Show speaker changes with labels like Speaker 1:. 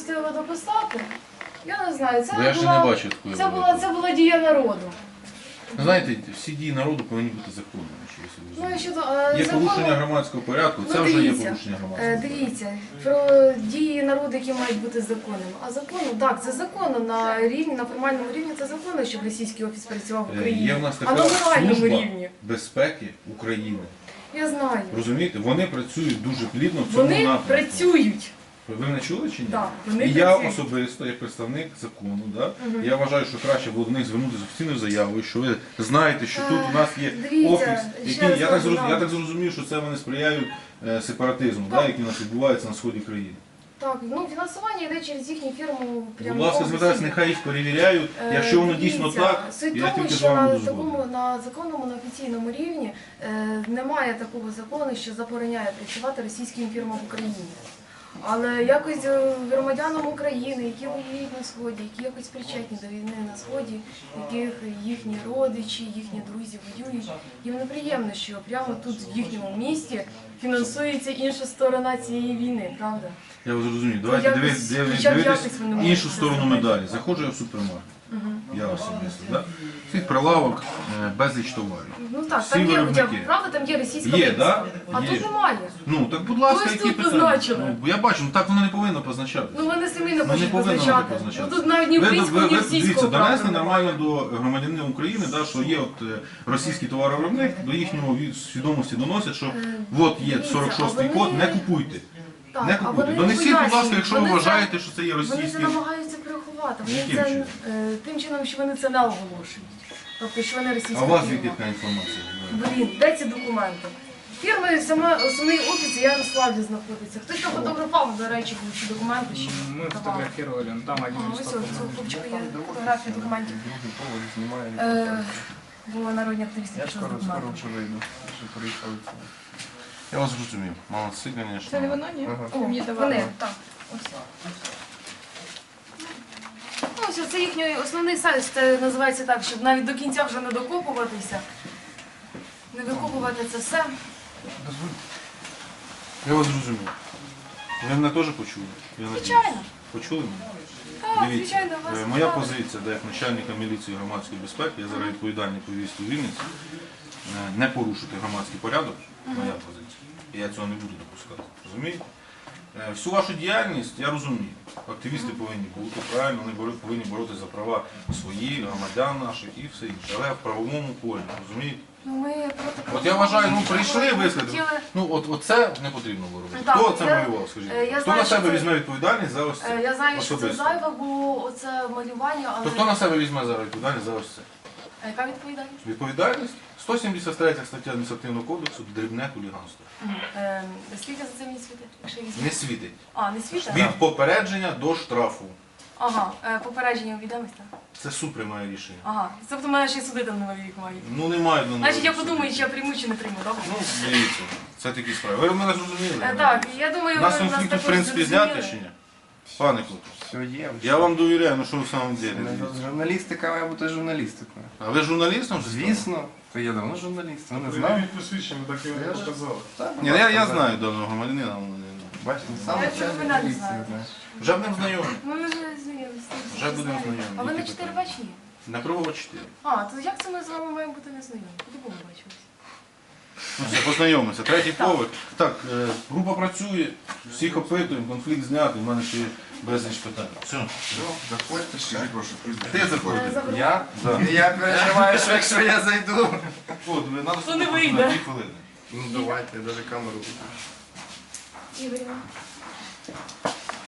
Speaker 1: допустили дописати, я не знаю,
Speaker 2: Я ще не бачу такої
Speaker 1: це була дія народу.
Speaker 2: Знаєте, всі дії народу повинні бути законними.
Speaker 1: Ну, і щодо,
Speaker 2: Є
Speaker 1: закону-
Speaker 2: порушення громадського порядку, це
Speaker 1: Ну,
Speaker 2: вже є
Speaker 1: дивіться,
Speaker 2: порушення громадського порядку.
Speaker 1: Дивіться, про дії народу, які мають бути законними. А законно, так, це законно на формальному рівні, це законно, щоб російський офіс працював в Україні.
Speaker 2: Є в нас
Speaker 1: А на
Speaker 2: така
Speaker 1: моральному
Speaker 2: служба
Speaker 1: рівні.
Speaker 2: безпеки України.
Speaker 1: Я знаю.
Speaker 2: Розумієте, вони працюють дуже плідно в цьому
Speaker 1: Вони
Speaker 2: напрямку.
Speaker 1: працюють.
Speaker 2: Ви мене чули чи ні?
Speaker 1: Так, вони
Speaker 2: І я
Speaker 1: працюють.
Speaker 2: особисто, як представник закону, я вважаю, що краще було до них звернутися з офіційною заявою, що ви знаєте, що тут у нас є
Speaker 1: Дивіться,
Speaker 2: офіс,
Speaker 1: ще
Speaker 2: який,
Speaker 1: раз кажу,
Speaker 2: я так зрозумів, що це вони сприяють сепаратизму,
Speaker 1: Так.
Speaker 2: який у нас відбувається на сході країни.
Speaker 1: Так, ну фінансування йде через їхню фірму прямо.
Speaker 2: Будь ласка, звертайтеся, нехай їх перевіряють, якщо воно дійсно
Speaker 1: Дивіться,
Speaker 2: так,
Speaker 1: суть
Speaker 2: я
Speaker 1: тому,
Speaker 2: тільки з
Speaker 1: що
Speaker 2: вами
Speaker 1: на
Speaker 2: буду згоден.
Speaker 1: на законному, на офіційному рівні немає такого закону, що забороняє працювати російським фірмам в Україні. Але якось громадянам України, які воюють на Сході, які якось причетні до війни на Сході, яких їхні родичі, їхні друзі воюють, їм неприємно, що прямо тут, в їхньому місті, фінансується інша сторона цієї війни, правда?
Speaker 2: Я вас зрозумію. Давайте
Speaker 1: якось-
Speaker 2: дивитись
Speaker 1: якось вони можуть
Speaker 2: іншу
Speaker 1: це
Speaker 2: сторону
Speaker 1: зробити.
Speaker 2: медалі. Заходжу я в супермаркет. Я особисто. Да? Цих прилавок безліч товарів.
Speaker 1: Ну так,
Speaker 2: Всі
Speaker 1: там є,
Speaker 2: виробники.
Speaker 1: хоча б, правда, там є російська
Speaker 2: Є,
Speaker 1: вивіска.
Speaker 2: да?
Speaker 1: А
Speaker 2: Є.
Speaker 1: тут немає.
Speaker 2: Ну, так будь ласка,
Speaker 1: Ось
Speaker 2: які
Speaker 1: тут
Speaker 2: питання?
Speaker 1: позначили.
Speaker 2: Ну, я бачу, ну так воно не повинно позначати.
Speaker 1: Ну вони самі не
Speaker 2: Ну, не
Speaker 1: хочуть
Speaker 2: повинно воно
Speaker 1: позначати.
Speaker 2: позначати.
Speaker 1: Ну тут навіть ні українського, ні
Speaker 2: Дивіться,
Speaker 1: російського
Speaker 2: донесли
Speaker 1: права
Speaker 2: нормально
Speaker 1: немає.
Speaker 2: до громадянина України, да, що є от російський товаровиробник, до їхнього свідомості доносять, що от є
Speaker 1: дивіться,
Speaker 2: 46-й
Speaker 1: а
Speaker 2: код,
Speaker 1: вони-
Speaker 2: не купуйте.
Speaker 1: Так,
Speaker 2: Не
Speaker 1: а
Speaker 2: купуйте.
Speaker 1: вони
Speaker 2: Донесіть, будь ласка,
Speaker 1: пояснюють,
Speaker 2: якщо ви
Speaker 1: вони це-
Speaker 2: вважаєте, що це є
Speaker 1: Вони це
Speaker 2: російський.
Speaker 1: намагаються приховати. Вони
Speaker 2: Яким
Speaker 1: це
Speaker 2: чином?
Speaker 1: тим чином, що вони це не оголошують. Тобто, що вони російська
Speaker 2: А у вас
Speaker 1: фірма.
Speaker 2: звідки така інформація?
Speaker 1: Блін, де ці документи? Фірми, саме основний офіс в Ярославлі знаходиться. Хтось там фотографував, до речі, були ці документи, що
Speaker 3: Мы
Speaker 1: давали.
Speaker 3: фотографировали, ну, там один
Speaker 1: Ось
Speaker 3: листок.
Speaker 1: цього хлопчика є фотографії документів. Бо народні активісти пішли з документами.
Speaker 4: вже вийду, що приїхали.
Speaker 2: Я вас зрозумів. Молодці, звісно.
Speaker 5: Це не воно, ні?
Speaker 1: О,
Speaker 5: Мені давали.
Speaker 1: вони, так. Ось. Ну, ось це їхній основний сайт, це називається так, щоб навіть до кінця вже не докопуватися, не викопувати це все.
Speaker 2: Я вас зрозумів. Ви мене теж почули? Я надіюсь.
Speaker 1: Звичайно.
Speaker 2: Почули мене?
Speaker 1: Так,
Speaker 2: Дивіться,
Speaker 1: звичайно, вас
Speaker 2: моя
Speaker 1: цікавить.
Speaker 2: позиція, як начальника міліції громадської безпеки, я зараз відповідальний по місту Вінниці, не порушити громадський порядок, моя позиція. І я цього не буду допускати. Розумієте? Всю вашу діяльність я розумію. Активісти повинні бути, правильно, вони повинні боротися за права свої, громадян наших і все інше. Але в правовому полі, розумієте?
Speaker 1: Ну, ми проти
Speaker 2: От я вважаю, ну прийшли,
Speaker 1: Ми
Speaker 2: висказали.
Speaker 1: хотіли-
Speaker 2: Ну от це не потрібно було робити.
Speaker 1: Так,
Speaker 2: Хто це
Speaker 1: я-
Speaker 2: малював, скажіть?
Speaker 1: я
Speaker 2: Хто
Speaker 1: знаю,
Speaker 2: на
Speaker 1: що
Speaker 2: себе
Speaker 1: це-
Speaker 2: візьме відповідальність за ось це?
Speaker 1: Я знаю, що це
Speaker 2: Особисто.
Speaker 1: зайве було оце малювання, але...
Speaker 2: То хто на себе візьме зараз відповідальність за ось це?
Speaker 1: А яка відповідальність?
Speaker 2: Відповідальність? 173 стаття адміністративного кодексу дрібне хуліганство.
Speaker 1: Скільки за це мені світить? Якщо я візьму?
Speaker 2: Не світить.
Speaker 1: А, не світить?
Speaker 2: Від попередження до штрафу.
Speaker 1: Ага, попередження відомість, так?
Speaker 2: Це суд приймає рішення.
Speaker 1: Ага, тобто мене ще й судити на новий рік мають.
Speaker 2: Ну немає до
Speaker 1: Значить, я подумаю, чи я прийму, чи не прийму, добре?
Speaker 2: Ну, дивіться, це такі справи. Ви мене зрозуміли?
Speaker 1: Так, я думаю,
Speaker 2: У нас
Speaker 1: ви нас
Speaker 2: конфлікт, в
Speaker 1: також
Speaker 2: принципі,
Speaker 1: зрозуміли.
Speaker 2: зняти чи ні? Пане Клопов,
Speaker 4: Все є.
Speaker 2: я вам довіряю, ну що ви в самому ділі?
Speaker 4: Журналістика має бути журналістикою.
Speaker 2: А ви журналістом вже стали?
Speaker 4: Звісно, то я давно журналіст, ви не знали?
Speaker 3: посвідчення, так і не показали.
Speaker 2: Ні, я знаю даного громадянина.
Speaker 4: Бачите, саме
Speaker 1: Я
Speaker 4: начальник
Speaker 1: цього не
Speaker 4: поліції,
Speaker 1: знаю.
Speaker 4: знаєш.
Speaker 2: Вже будемо знайомі.
Speaker 1: Ми вже знайомі.
Speaker 2: Вже будемо знайомі.
Speaker 1: А ви на
Speaker 2: Які
Speaker 1: 4
Speaker 2: питання?
Speaker 1: бачні?
Speaker 2: На Кругова 4.
Speaker 1: А, то як це ми з вами маємо бути незнайомі? Куди ми бачилися?
Speaker 2: Ну все, познайомимося. Третій поверх. Так, група працює, всіх опитуємо, конфлікт знятий, в мене ще є безліч питань. Все.
Speaker 4: Заходьте, скажіть ваше
Speaker 2: Ти заходите?
Speaker 4: Я?
Speaker 2: Да.
Speaker 4: Я переживаю, що якщо я зайду.
Speaker 2: От, ви надо
Speaker 1: То не
Speaker 2: слухати
Speaker 1: вийде.
Speaker 2: на 2 хвилини.
Speaker 4: Ну давайте, я навіть камеру виключу.
Speaker 1: Ігорівна.